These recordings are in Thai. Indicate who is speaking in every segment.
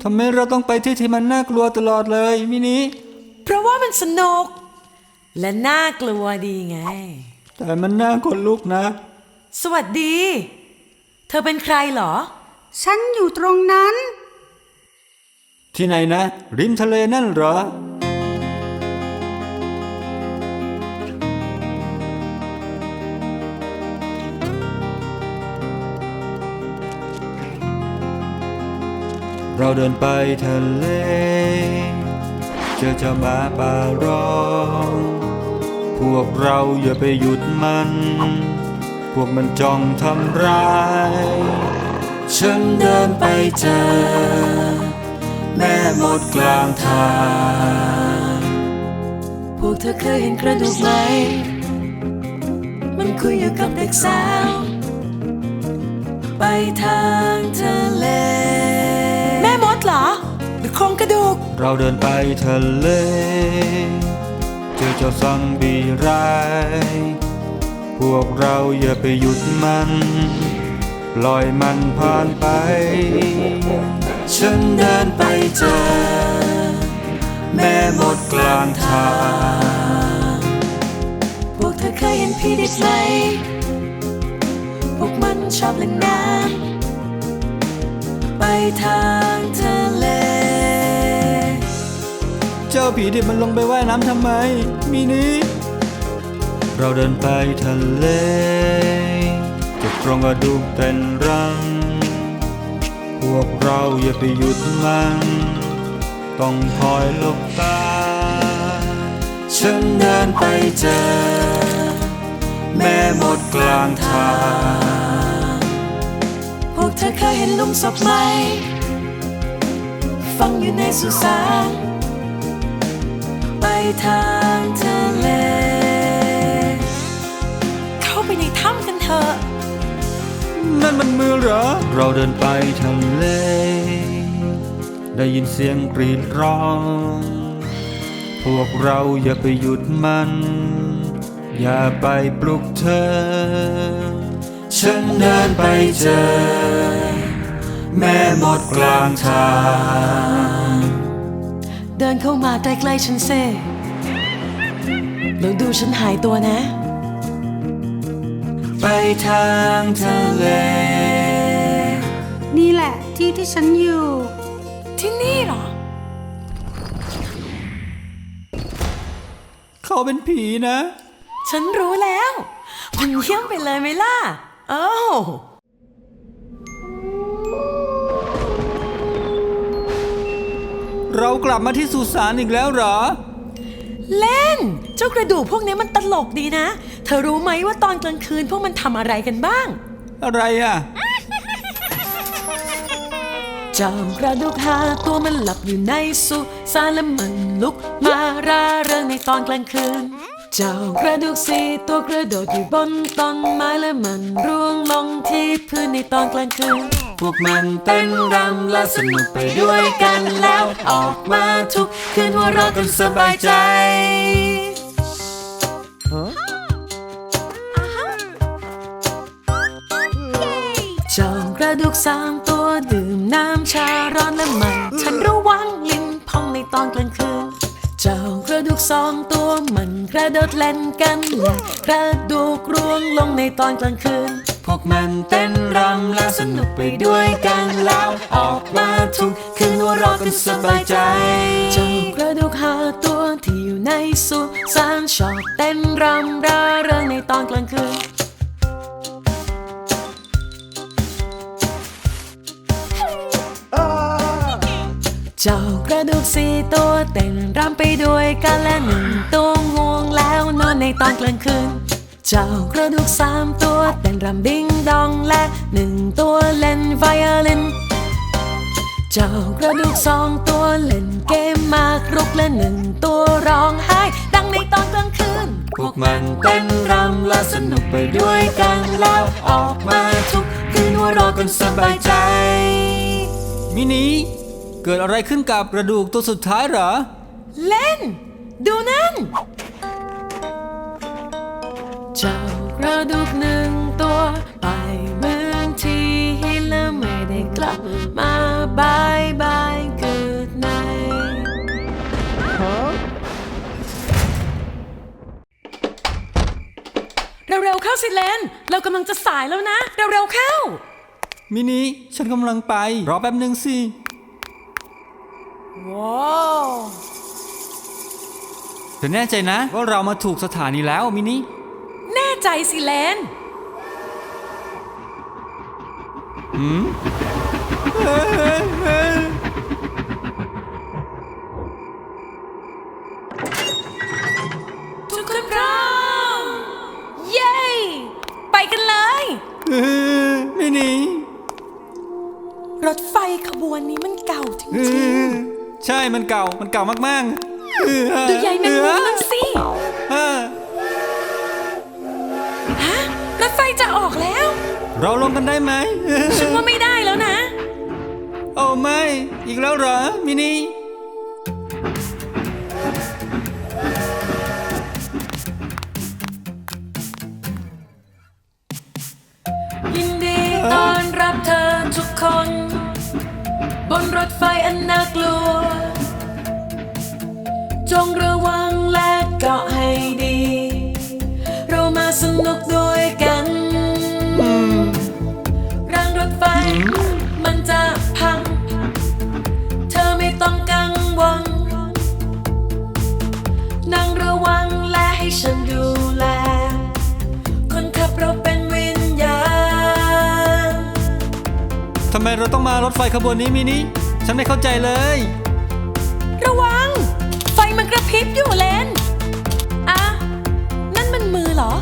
Speaker 1: ำไมเราต้องไปที่มันน่ากลัวตลอดเลยมินิ
Speaker 2: เพราะว่ามันสนุกและน่ากลัวดีไง
Speaker 1: แต่มันน่าขนลุกนะ
Speaker 2: สวัสดีเธอเป็นใครเหรอ
Speaker 3: ฉันอยู่ตรงนั้น
Speaker 1: ที่ไหนนะริมทะเลนั่นเหรอเราเดินไปทะเลเจอเจ้าหมาป่าร้องพวกเราอย่าไปหยุดมันพวกมันจ้องทำร้ายฉันเดินไปเจอแม่มดกลางทาง
Speaker 2: พวกเธอเคยเห็นกระดูกไหมมันคุยอยู่กับเด็กสาวไปทางทะเลแม่มดเหรอหรือโครงกระดูก
Speaker 1: เราเดินไปทะเลเจอเจ้าซอมบี้ร้ายพวกเราอย่าไปหยุดมันปล่อยมันผ่านไปฉันเดินไปเจอแม่มดกลางทาง
Speaker 2: พวกเธอเคยเห็นผีดิบไหมพวกมันชอบเล่นน้ำไปทางทะเล
Speaker 1: เจ้าผีดิบมันลงไปว่ายน้ำทำไมมินิเราเดินไปทะเลเก็บโครงกระดูกเต้นรังพวกเราอย่าไปหยุดมันต้องคอยหลบตาฉันเดินไปเจอแม่มดกลางทาง
Speaker 2: พวกเธอเคยเห็นหลุมศพไหมฝังอยู่ในสุสานไปทางทะเลเข้าไปในถ้ำกันเถอะ
Speaker 1: นั่นมันมือเหรอเราเดินไปทะเลได้ยินเสียงกรีดร้องพวกเราอย่าไปหยุดมันอย่าไปปลุกเธอฉันเดินไปเจอแม่มดกลางทาง
Speaker 2: เดินเข้ามาใกล้ๆฉันเซ่แล้วดูฉันหายตัวนะ
Speaker 1: ไปทางทะเล
Speaker 3: นี่แหละที่ฉันอยู่
Speaker 2: ที่นี่เหรอ
Speaker 1: เขาเป็นผีนะ
Speaker 2: ฉันรู้แล้วมันเยี่ยมไปเลยไหมล่ะ
Speaker 1: เรากลับมาที่สุสานอีกแล้วเหรอ
Speaker 2: เล่นเจ้ากระดูกพวกนี้มันตลกดีนะเธอรู้ไหมว่าตอนกลางคืนพวกมันทำอะไรกันบ้าง
Speaker 1: อะไรอ่ะ
Speaker 2: เจ้ากระดูก5 ตัวมันหลับอยู่ในสุสานและมันลุกมาร่าเริงในตอนกลางคืนเจ้ากระดูก4 ตัวกระโดดอยู่บนต้นไม้และมันร่วงลงที่พื้นในตอนกลางคืน
Speaker 1: พวกมันเต้นรำและสนุกไปด้วยกันแล้วออกมาทุกคืนหัวเราะกันสบายใจ
Speaker 2: เจ้ากระดูก3 ตัวดื่มน้ำชาร้อนและมันฉันระวังลิ้นพองในตอนกลางคืนเจ้ากระดูก2 ตัวมันกระโดดเล่นกันและกระดูกร่วงลงในตอนกลางคืน
Speaker 1: พวกมันเต้นรำและสนุกไปด้วยกันแล้วออกมาทุกคืนหัวเราะกันสบายใจ
Speaker 2: เจ้ากระดูก5 ตัวที่อยู่ในสุสานชอบเต้นรำร่าเริงในตอนกลางคืนเจ้ากระดูก4 ตัวเต้นรำไปด้วยกันและ1 ตัวง่วงแล้วนอนในตอนกลางคืนเจ้ากระดูก3 ตัวเต้นรำดิ้งดองและ1 ตัวเล่นไวโอลินเจ้ากระดูก2 ตัวเล่นเกมมากรุกและ1 ตัวร้องไห้ดังในตอนกลางคืน
Speaker 1: พวกมันเต้นรำและสนุกไปด้วยกันแล้วออกมาทุกคืนหัวเราะกันสบายใจมินิเกิดอะไรขึ้นกับกระดูกตัวสุดท้ายเหรอ
Speaker 2: เล่นดูนั่นเจ้ากระดูก1 ตัวไปเมืองที่และไม่ได้กลับมาบายบายกันสิเลนเรากำลังจะสายแล้วนะเร็วๆเข้า
Speaker 1: มินิฉันกำลังไปรอแป๊บหนึ่งสิ
Speaker 2: ว้าว
Speaker 1: เธอแน่ใจนะว่าเรามาถูกสถานีแล้วมินิ
Speaker 2: แน่ใจสิเลนทุกคนพร้อมเย้ไปกันเลย
Speaker 1: มินิ
Speaker 2: รถไฟขบวนนี้มันเก่าจริง
Speaker 1: ๆใช่มันเก่ามากๆ
Speaker 2: ดูใหญ่แมงมุมนั่นสิฮะรถไฟจะออกแล้ว
Speaker 1: เราลงกันได้ไหม
Speaker 2: ฉันว่าไม่ได้แล้วนะ
Speaker 1: โอ้ไม่อีกแล้วเหรอมินิ
Speaker 2: ยินดีต้อนรับเธอทุกคนบนรถไฟอันน่ากลัวจงระวังและเกาะให้ดีเรามาสนุกด้วยกันรางรถไฟมันจะพังเธอไม่ต้องกังวลนั่งระวังและให้ฉันดูแลคนขับเราเป็นวิญญาณ
Speaker 1: ทำไมเราต้องมารถไฟขบวนนี้มินิฉันไม่เข้าใจเลย
Speaker 2: ระวังไฟมันกระพริบอยู่เลนอ่ะนั่นมันมือเหรอ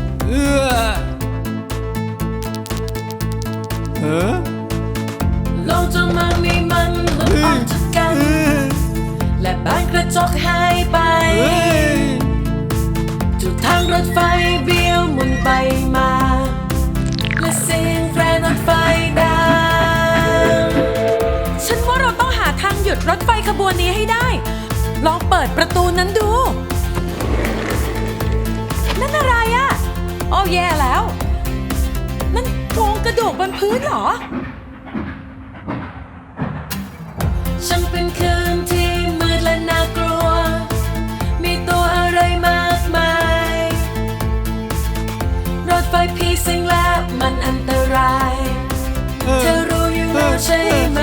Speaker 2: โลกจะมันมีมันหลุดออกจากกันและบานกระจกหายไปจุดทางรถไฟเบี้ยวหมุนไปมาและเสียงแตรรถไฟดังฉันว่าเราต้องหาทางหยุดรถไฟขบวนนี้ให้ได้ลองเปิดประตูนั้นดูนั่นอะไรอ่ะโอ้แย่แล้วนั่นโครงกระดูกบนพื้นเหรอฉันเป็นคืนที่มืดและน่ากลัวมีตัวอะไรมากมายรถไฟผีสิงและมันอันตรายเธอรู้อยู่แล้วใช่ไหม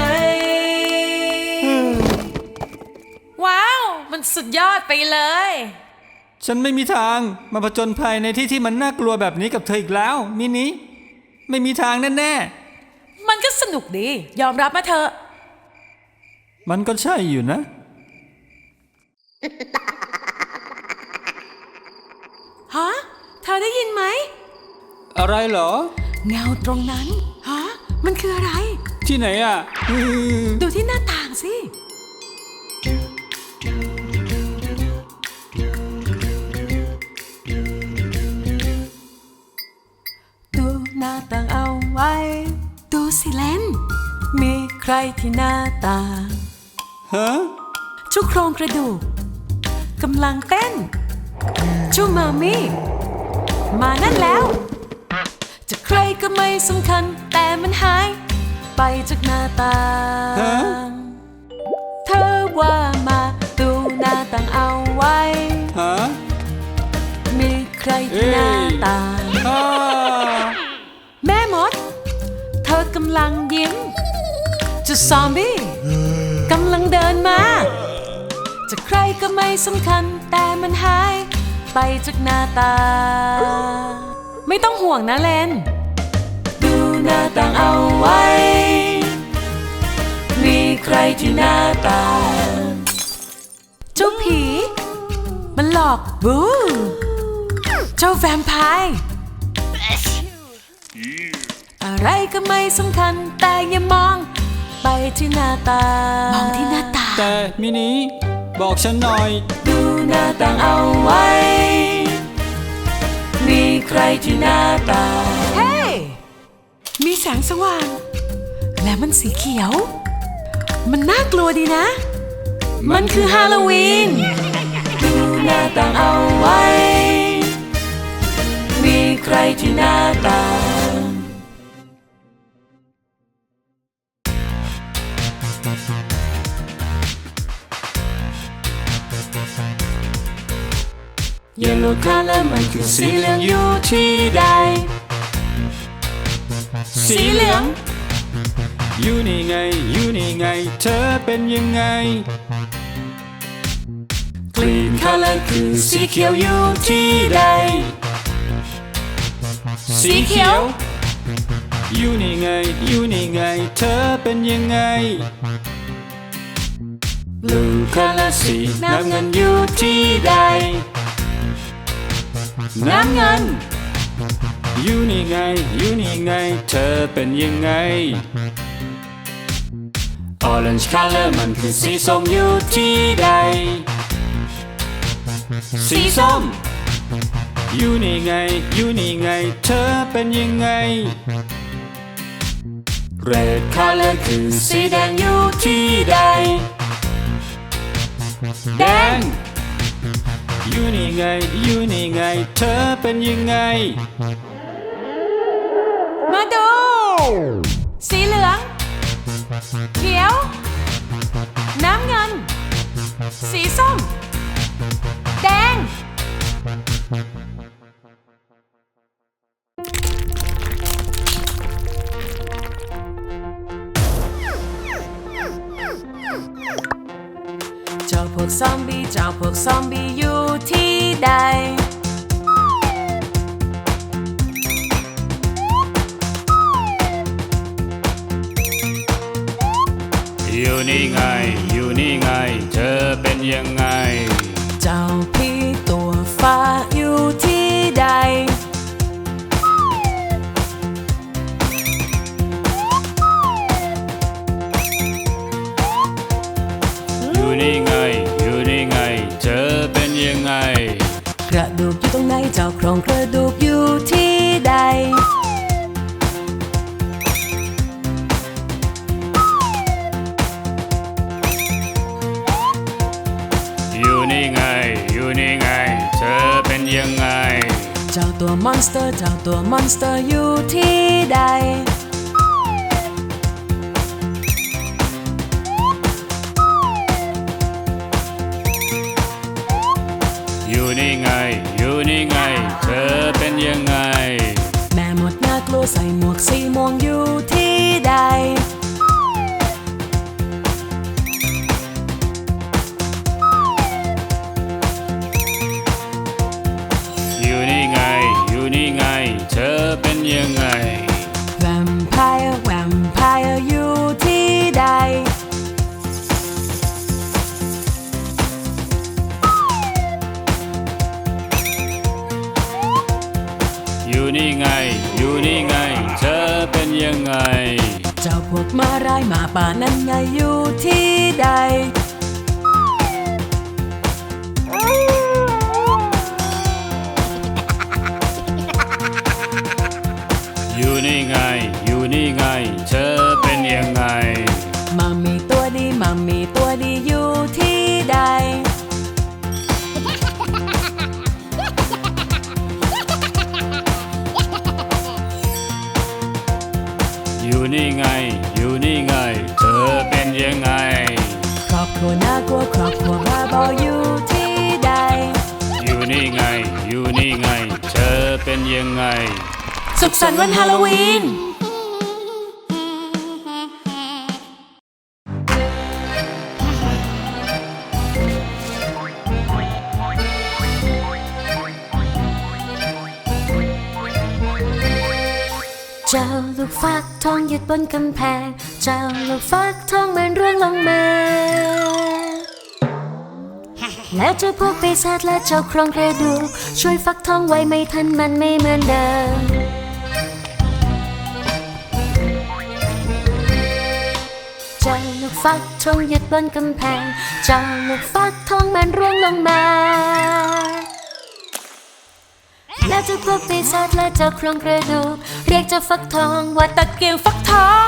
Speaker 2: ว้าวมันสุดยอดไปเลย
Speaker 1: ฉันไม่มีทางมาผจญภัยในที่ที่มันน่ากลัวแบบนี้กับเธออีกแล้วมินิไม่มีทางแน่
Speaker 2: ๆมันก็สนุกดียอมรับมาเถอะ
Speaker 1: มันก็ใช่อยู่นะ
Speaker 2: ฮะเธอได้ยินไหม
Speaker 1: อะไรเหรอ
Speaker 2: เงาตรงนั้นฮะมันคืออะไร
Speaker 1: ที่ไหนอ่ะ
Speaker 2: ดูที่หน้าต่างสิดูหน้าต่างเอาไว้ดูสิเลนมีใครที่หน้าต่าง
Speaker 1: ฮะ
Speaker 2: ชุกโครงกระดูกกำลังเต้นชูมามิมานั่นแล้วจะใครก็ไม่สำคัญแต่มันหายไปจากหน้าต่างเธอว่ามาดูหน้าต่างเอาไว้มีใครที่หน้าต่างแม่มดเธอกำลังยิ้มจะซอมบี้กำลังเดินมาจะใครก็ไม่สำคัญแต่มันหายไปจากหน้าตาไม่ต้องห่วงนะเลนดูหน้าต่างเอาไว้มีใครที่หน้าต่างเจ้าผีมันหลอกบูเจ้าแวมไพร์อะไรก็ไม่สำคัญแต่อย่ามองไปที่หน้าต่างมองที่หน้าต่าง
Speaker 1: แต่มินิบอกฉันหน่อย
Speaker 2: ดูหน้าต่างเอาไว้มีใครที่หน้าต่างเฮ้ มีแสงสว่างและมันสีเขียวมันน่ากลัวดีนะมันคือฮาโลวีนดูหน้าต่างเอาไว้มีใครที่หน้าต่าง Yellow color มันคือสีเหลืองอยู่ที่ใดสีเหลือง
Speaker 1: อยู่นี่ไงอยู่นี่ไงเธอเป็นยังไง
Speaker 2: Green color คือสีเขียวอยู่ที่ใดสีเขียว
Speaker 1: อยู่นี่ไงอยู่นี่ไงเธอเป็นยังไง
Speaker 2: Blue color สีน้ำเงินอยู่ที่ใดน้ำเงิน
Speaker 1: อยู่นี่ไงอยู่นี่ไงเธอเป็นยังไง
Speaker 2: Orange color มันคือสีส้มอยู่ที่ใดสีส้ม
Speaker 1: อยู่นี่ไงอยู่นี่ไงเธอเป็นยังไง
Speaker 2: Red color คือสีแดงอยู่ที่ใดแดง
Speaker 1: อยู่นี่ไงอยู่นี่ไงเธอเป็นยังไง
Speaker 2: มาดูสีเหลืองเขียวน้ำเงินสีส้มแดงเจ้าพวกซอมบี้อยู่ที่ใด
Speaker 1: อยู่นี่ไงอยู่นี่ไงเธอเป็นยังไง
Speaker 2: เจ้าพี่ตัวฟ้าอยู่ที่ใด
Speaker 1: อยู่นี่ไงอยู่นี่ไงเธอเป็นยังไง
Speaker 2: กระดูกอยู่ตรงไหนเจ้าโครงกระดูกอยู่ที่ใด
Speaker 1: อยู่นี่ไงอยู่นี่ไงเธอเป็นยังไง
Speaker 2: เจ้าตัวมอนสเตอร์อยู่ที่ใด
Speaker 1: อยู่นี่ไงอยู่นี่ไงเธอเป็นยังไง
Speaker 2: แม่หมดน่ากลัวใส่หมวกสีม่วงอยู่ที่ใด
Speaker 1: อยู่นี่ไงอยู่นี่ไงเธอเป็นยังไง
Speaker 2: แวมไพร์อยู่ที่ใด
Speaker 1: อยู่นี่ไงอยู่นี่ไงเธอเป็นยังไง
Speaker 2: เจ้าพวกม้าร้ายหมาป่านั้นไงอยู่ที่ใด
Speaker 1: อยู่นี่ไงอยู่นี่ไงเธอเป็นยังไง
Speaker 2: มัมมี่ตัวดีอยู่ที่ใด
Speaker 1: อยู่นี่ไงอยู่นี่ไงเธอเป็นยังไง
Speaker 2: ครอบครัวน่ากลัวครอบครัวบ้าบออยู่ที่ใด
Speaker 1: อยู่นี่ไงอยู่นี่ไงเธอเป็นยังไง
Speaker 2: สุขสันต์วันฮาโลวีนเจ้าลูกฟักทองหยุดบนกำแพงเจ้าลูกฟักทองมันร่วงลงมาแล้วเจ้าพวกปีศาจและเจ้าโครงกระดูกช่วยฟักทองไว้ไม่ทันมันไม่เหมือนเดิมเจ้าลูกฟักทองหยุดบนกำแพงเจ้าลูกฟักทองมันร่วงลงมาแล้วเจ้าพวกปีศาจและเจ้าโครงกระดูกเรียกเจ้าฟักทองว่าตะเกียงฟักทอง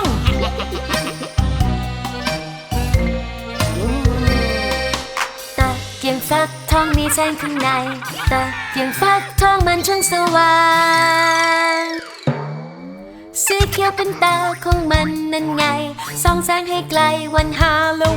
Speaker 2: ตะเกียงฟักทองมีแสงข้างในตะเกียงฟักทองมันช่างสว่างสีเขียวเป็นตาของมันนั่นไงส่องแสงให้ไกลวันฮาโล